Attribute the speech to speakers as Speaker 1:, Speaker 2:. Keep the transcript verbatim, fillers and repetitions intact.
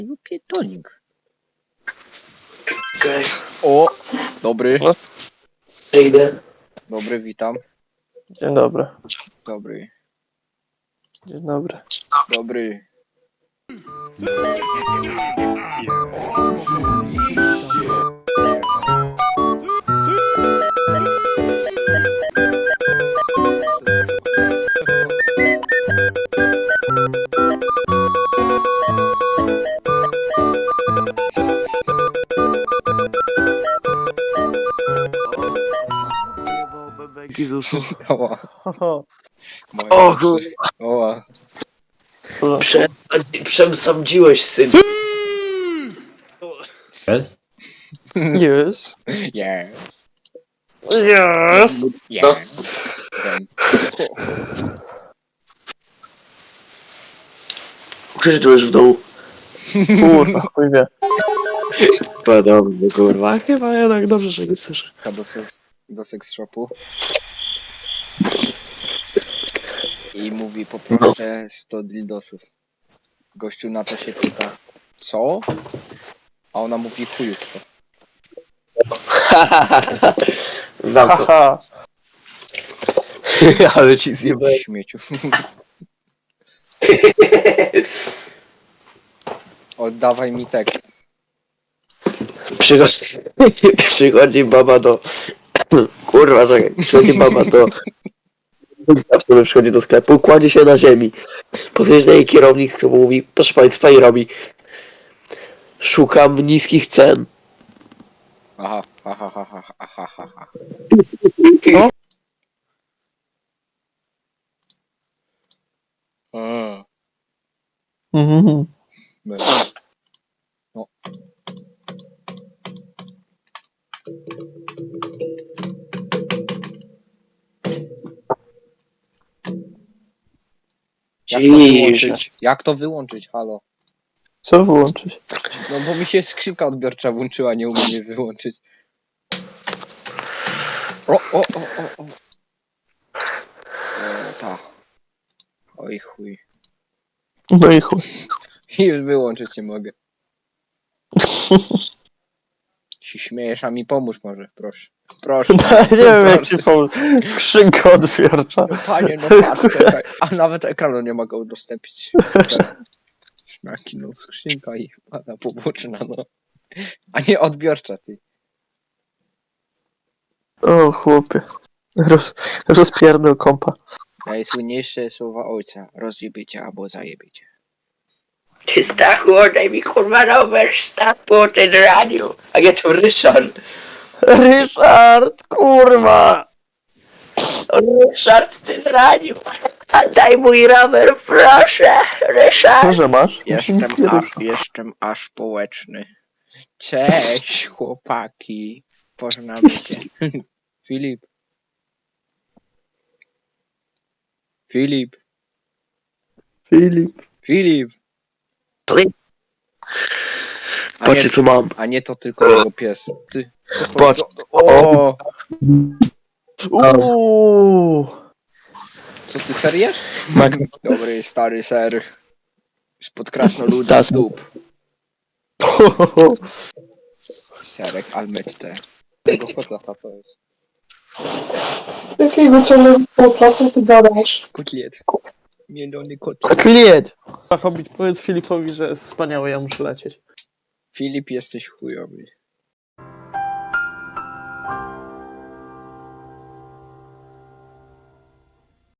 Speaker 1: Pietonik.
Speaker 2: Okej.
Speaker 1: O! Dobry.
Speaker 3: No.
Speaker 2: Idę.
Speaker 1: Dobry, witam.
Speaker 3: Dzień dobry.
Speaker 1: Dobry.
Speaker 3: Dzień dobry.
Speaker 1: Dobry.
Speaker 2: Bebeki z uszu.
Speaker 1: Oła.
Speaker 3: Ho,
Speaker 1: Moja
Speaker 2: O
Speaker 1: uszy.
Speaker 2: kurwa.
Speaker 1: Oła.
Speaker 3: ho.
Speaker 2: Przesadzi- Przesądziłeś, syn.
Speaker 3: Yes.
Speaker 1: Yeah.
Speaker 3: Yes.
Speaker 1: Yeah. Wiem.
Speaker 2: Przyszedłeś w domu.
Speaker 3: Kurwa, chuj wie.
Speaker 2: Podobnie, kurwa. Chyba jednak dobrze, że nie słyszę.
Speaker 1: Chyba do, seks, do seks shopu. I mówi, poproszę sto dildosów. Gościu na to się pyta, co? A ona mówi, chujustwo.
Speaker 2: Znam to.
Speaker 3: Haha.
Speaker 2: Ale ci zjebałem.
Speaker 1: Śmieciu. Oddawaj mi tekst.
Speaker 2: Przychodzi, przychodzi baba do... Kurwa, czekaj. Przychodzi baba do... W sumie przychodzi do sklepu, kładzie się na ziemi. Podjeżdża jej kierownik, który mówi, proszę państwa, i robi. Szukam niskich cen.
Speaker 1: Aha, aha, aha, aha, aha, aha.
Speaker 3: No.
Speaker 1: A,
Speaker 3: Mhm.
Speaker 1: no. No. Jak to wyłączyć? Jak to wyłączyć? Halo?
Speaker 3: Co wyłączyć?
Speaker 1: No bo mi się skrzynka odbiorcza włączyła, nie umiem jej wyłączyć. O, o, o, o, o. O, ta. Oj chuj.
Speaker 3: No i chuj.
Speaker 1: I już wyłączyć nie mogę. Się śmiejesz, a mi pomóż może, proszę. Proszę.
Speaker 3: Nie wiem jak
Speaker 1: proszę.
Speaker 3: ci pomóc. Skrzynka odbiorcza.
Speaker 1: No panie, no patrz, czekaj. A nawet ekranu nie mogę udostępnić. Szmaki, no skrzynka i pada poboczna, no. A nie odbiorcza, ty.
Speaker 3: O chłopie. Roz, rozpierdol kompa.
Speaker 1: Najsłynniejsze słowa ojca. Rozjebiecie albo zajebiecie.
Speaker 2: Ty Stachu, oddaj mi kurwa rower, staw po ten radio. A ja to Ryszard.
Speaker 3: Ryszard, kurwa!
Speaker 2: Ryszard, ty zranił. Daj mój rower, proszę. Ryszard.
Speaker 3: Może masz?
Speaker 1: Jestem aż, jestem aż społeczny. Cześć, chłopaki. Poznamy się. Filip. Filip.
Speaker 3: Filip.
Speaker 1: Filip. A nie,
Speaker 2: Patrzcie co mam.
Speaker 1: a nie to tylko jego pies. Ty. To, to,
Speaker 2: Patrz.
Speaker 1: to, o,
Speaker 3: Uuuu.
Speaker 1: co ty seriesz?
Speaker 2: Mag...
Speaker 1: Dobry, stary ser. Spod krasnoludów
Speaker 2: Tas.
Speaker 1: stóp. Serek Almette. Tego kota to jest.
Speaker 4: Jakiego ciągłego placu ty gadasz?
Speaker 1: Kotlet. Mielony kotlet.
Speaker 3: Kotlet! Hobbit, powiedz Filipowi, że jest wspaniały, ja muszę lecieć.
Speaker 1: Filip, jesteś chujowy.